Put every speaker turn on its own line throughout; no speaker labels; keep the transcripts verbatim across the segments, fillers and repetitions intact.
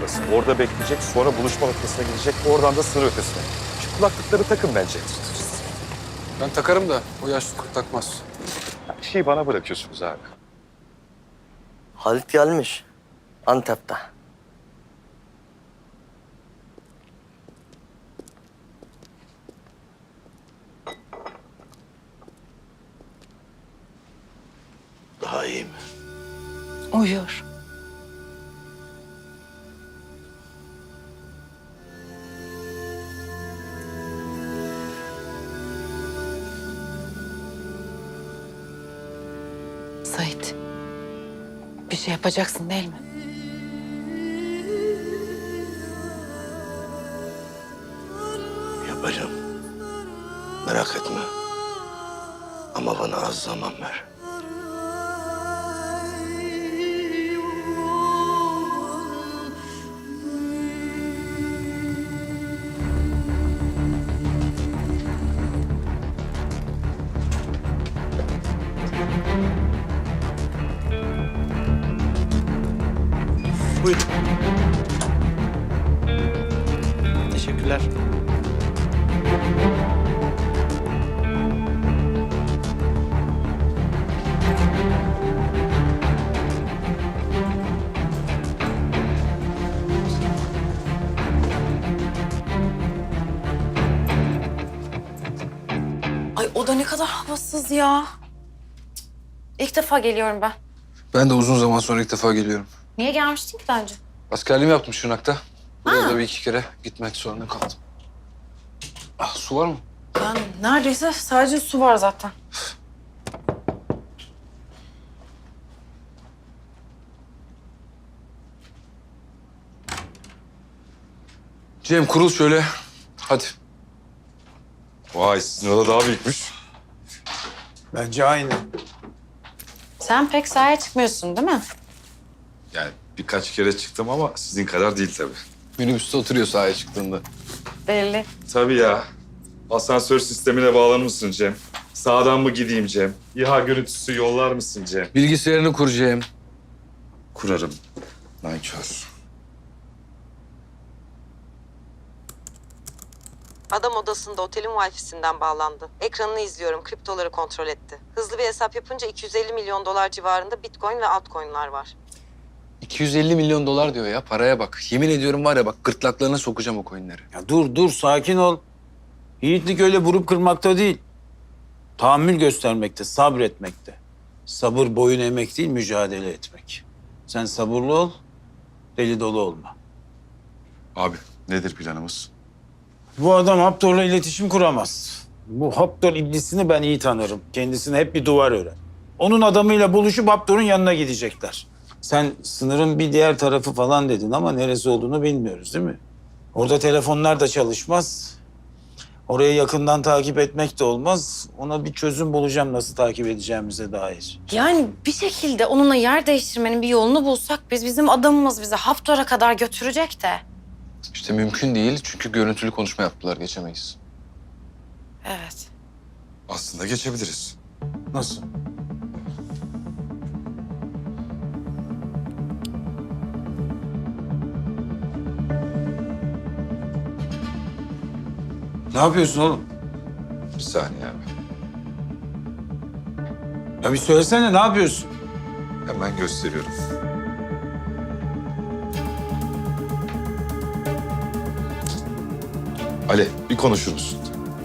burası. Orada bekleyecek, sonra buluşma noktasına gidecek, oradan da sınır ötesine. Şu kulaklıkları takın bence.
Ben takarım da o yaşlı kurt takmaz.
Her şeyi bana bırakıyorsunuz abi.
Halit gelmiş. Antep'te.
Daha iyi mi?
Uyuyor. Sait, bir şey yapacaksın değil mi?
Yapacağım. Merak etme. Ama bana az zaman ver.
Buyurun. Teşekkürler.
Ay o da ne kadar havasız ya. İlk defa geliyorum ben.
Ben de uzun zaman sonra ilk defa geliyorum.
Niye gelmiştin ki daha önce?
Askerliğimi yaptım Şırnak'ta. Buraya da bir iki kere gitmek zorunda kaldım. Ah, su var mı?
Ben neredeyse sadece su var zaten.
Cem kurul şöyle. Hadi.
Vay, sizin oda daha büyükmüş.
Bence aynı.
Sen pek sahaya çıkmıyorsun değil mi?
Yani birkaç kere çıktım ama sizin kadar değil tabii.
Minibüste oturuyor sahaya çıktığında.
Belli.
Tabii ya. Asansör sistemine bağlanır mısın Cem? Sağdan mı gideyim Cem? İHA görüntüsü yollar mısın Cem?
Bilgisayarını kur Cem.
Kurarım. Nankör.
Adam odasında otelin Wi-Fi'sinden bağlandı. Ekranını izliyorum, kriptoları kontrol etti. Hızlı bir hesap yapınca iki yüz elli milyon dolar civarında Bitcoin ve altcoin'lar var.
iki yüz elli milyon dolar diyor ya, paraya bak. Yemin ediyorum var ya bak, gırtlaklarına sokacağım o coinleri.
Ya dur dur sakin ol. Yiğitlik öyle vurup kırmakta değil. Tahammül göstermekte, sabretmekte. Sabır boyun eğmek değil, mücadele etmek. Sen sabırlı ol, deli dolu olma.
Abi nedir planımız?
Bu adam Haptor'la iletişim kuramaz. Bu Haptor iblisini ben iyi tanırım. Kendisine hep bir duvar örer. Onun adamıyla buluşup Haptor'un yanına gidecekler. Sen sınırın bir diğer tarafı falan dedin ama neresi olduğunu bilmiyoruz değil mi? Orada telefonlar da çalışmaz. Orayı yakından takip etmek de olmaz. Ona bir çözüm bulacağım nasıl takip edeceğimize dair.
Yani bir şekilde onunla yer değiştirmenin bir yolunu bulsak biz bizim adamımız bizi Haftor'a kadar götürecek de.
İşte mümkün değil çünkü görüntülü konuşma yaptılar, geçemeyiz.
Evet.
Aslında geçebiliriz.
Nasıl? Ne yapıyorsun oğlum?
Bir saniye abi.
Ya bir söylesene ne yapıyorsun?
Hemen gösteriyorum. Ali, bir konuşur musun?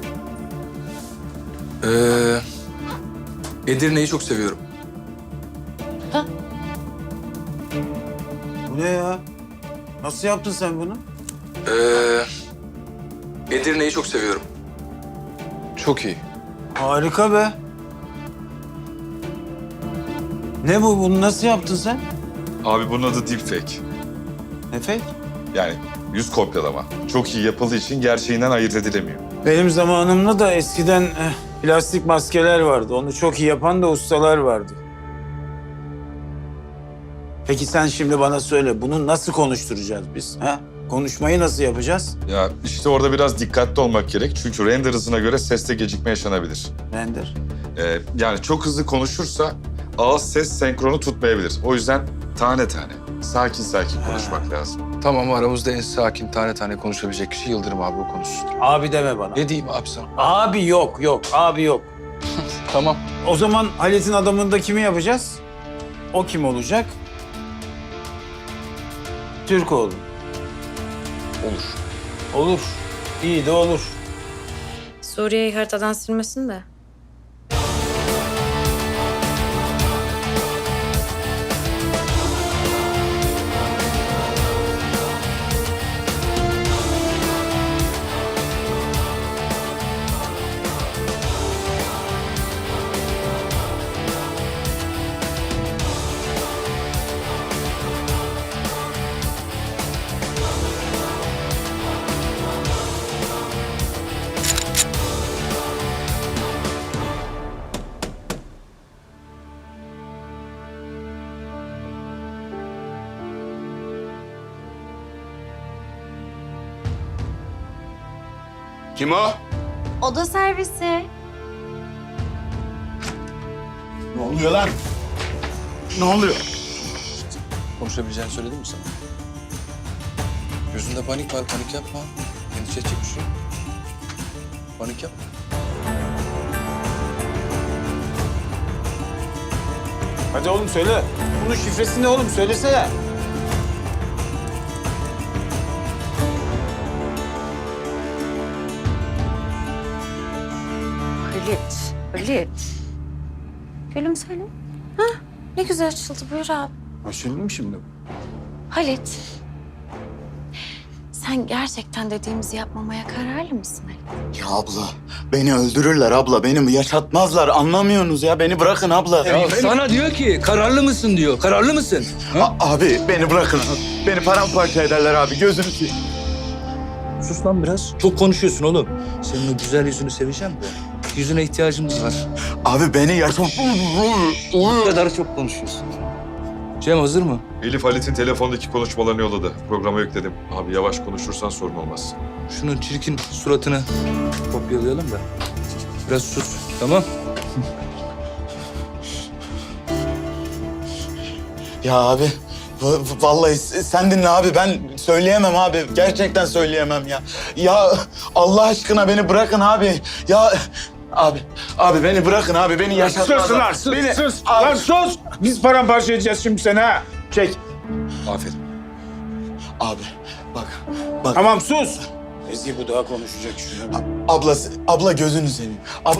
Ee, Edirne'yi çok seviyorum.
Bu ne ya? Nasıl yaptın sen bunu?
Ee, Edirne'yi çok seviyorum. Çok iyi.
Harika be. Ne bu? Bunu nasıl yaptın sen?
Abi bunun adı deepfake.
Ne fake?
Yani yüz kopyalama. Çok iyi yapıldığı için gerçeğinden ayırt edilemiyor.
Benim zamanımda da eskiden eh, plastik maskeler vardı. Onu çok iyi yapan da ustalar vardı. Peki sen şimdi bana söyle, bunu nasıl konuşturacağız biz? Ha? Konuşmayı nasıl yapacağız?
Ya işte orada biraz dikkatli olmak gerek. Çünkü render hızına göre seste gecikme yaşanabilir.
Render.
Ee, yani çok hızlı konuşursa ağız ses senkronu tutmayabilir. O yüzden tane tane. sakin sakin konuşmak lazım.
Tamam, aramızda en sakin, tane tane konuşabilecek kişi Yıldırım abi, o konuşsun.
Abi deme bana.
Ne diyeyim abi sana?
Abi yok yok abi yok.
Tamam.
O zaman Halit'in adamını da kimi yapacağız? O kim olacak? Türkoğlu.
Olur.
Olur. İyi de olur.
Suriye'yi haritadan silmesin de.
Kim o?
Oda servisi.
Ne oluyor lan? Ne oluyor?
Konuşabileceğini söyledim mi sana? Gözünde panik var, panik yapma. Endişe edecek bir şey yok. Panik yapma.
Hadi oğlum söyle. Bunun şifresi ne oğlum? Söylesene.
Halit, Halit. Gülüm söyle. Hah, ne güzel açıldı. Buyur abi.
Açıldı mı şimdi?
Halit. Sen gerçekten dediğimizi yapmamaya kararlı mısın Halit?
Ya abla, beni öldürürler abla. Beni yaşatmazlar. Anlamıyorsunuz ya. Beni bırakın abla.
Ya sana diyor ki kararlı mısın diyor. Kararlı mısın? Ha?
A- abi beni bırakın. Beni paramparça ederler abi. Gözünü seveyim.
Sus lan biraz. Çok konuşuyorsun oğlum. Senin o güzel yüzünü seveceğim de. Yüzüne ihtiyacımız var.
Abi beni yaşat...
Bu kadar çok konuşuyorsun. Cem hazır mı?
Elif Halit'in telefondaki konuşmalarını yolladı. Programa yükledim. Abi yavaş konuşursan sorun olmaz.
Şunun çirkin suratını kopyalayalım da. Biraz sus, tamam?
Ya abi, va- vallahi sen dinle abi. Ben söyleyemem abi. Gerçekten söyleyemem ya. Ya Allah aşkına beni bırakın abi. Ya... Abi, abi beni bırakın abi. Beni yaşatmazlar.
Sus lan sus
Beni...
sus.
Abi-
Lan sus. Biz paramparça edeceğiz şimdi seni ha. Çek.
Aferin.
Abi, bak, bak.
Tamam sus. Ezgi bu daha konuşacak şuna.
Abla, abla gözünü seveyim. Ab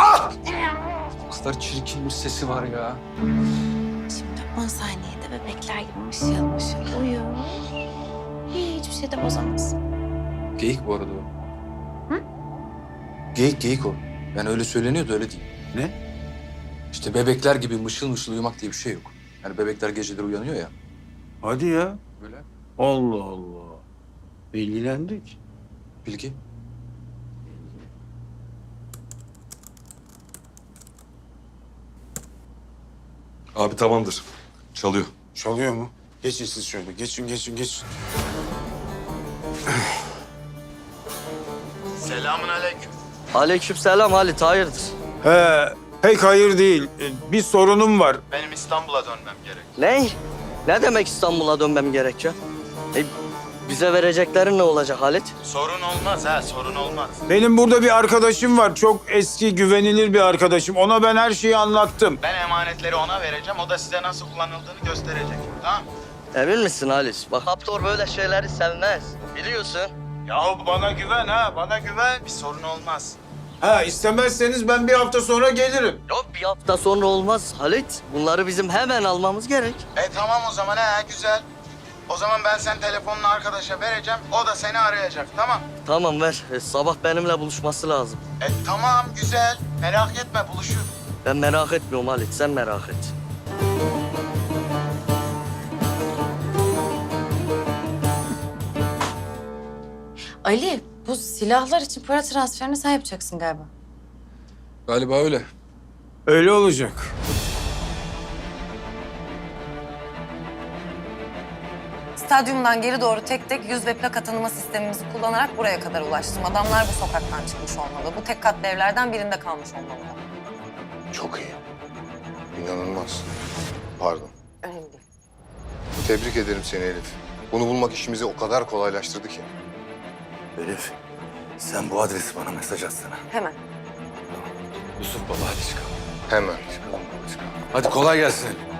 O kadar çirkin bir sesi var ya.
Şimdi on saniyede bebekler gibi mışıl mışıl uyu. Hiçbir şey de bozamaz.
Geyik bu arada o.
Hı?
Geyik, geyik o. Yani öyle söyleniyordu, öyle değil.
Ne?
İşte bebekler gibi mışıl mışıl uyumak diye bir şey yok. Yani bebekler geceleri uyanıyor ya.
Hadi ya.
Böyle.
Allah Allah. Bilgilendik.
Bilgi.
Abi tamamdır. Çalıyor.
Çalıyor mu? Geçin siz şöyle. Geçin, geçin, geçin.
Selamun aleyküm.
Aleykümselam Halit, hayırdır?
He, pek hayır değil. Ee, Bir sorunum var.
Benim İstanbul'a dönmem gerek.
Ne? Ne demek İstanbul'a dönmem gerekiyor? E, bize vereceklerin ne olacak Halit?
Sorun olmaz ha, sorun olmaz.
Benim burada bir arkadaşım var. Çok eski, güvenilir bir arkadaşım. Ona ben her şeyi anlattım.
Ben emanetleri ona vereceğim, o da size nasıl kullanıldığını gösterecek. Tamam?
Emin misin Halit? Bak Haptor böyle şeyleri sevmez. Biliyorsun.
Yahu bana güven ha, bana güven.
Bir sorun olmaz.
Ha, istemezseniz ben bir hafta sonra gelirim.
Yok bir hafta sonra olmaz Halit. Bunları bizim hemen almamız gerek.
E tamam o zaman ha, güzel. O zaman ben sen telefonunu arkadaşa vereceğim, o da seni arayacak, tamam?
Tamam ver. E, sabah benimle buluşması lazım.
E tamam, güzel. Merak etme, buluşur.
Ben merak etmiyorum Halit, sen merak et.
Ali, bu silahlar için para transferini sen yapacaksın galiba.
Galiba öyle.
Öyle olacak.
Stadyumdan geri doğru tek tek yüz ve plaka tanıma sistemimizi kullanarak buraya kadar ulaştım. Adamlar bu sokaktan çıkmış olmalı. Bu tek katlı evlerden birinde kalmış olmalı.
Çok iyi. İnanılmaz. Pardon.
Önemli değil.
Tebrik ederim seni Elif. Bunu bulmak işimizi o kadar kolaylaştırdı ki.
Elif, sen bu adresi bana mesaj atsana.
Hemen.
Yusuf baba hadi çıkalım.
Hemen.
Hadi kolay gelsin.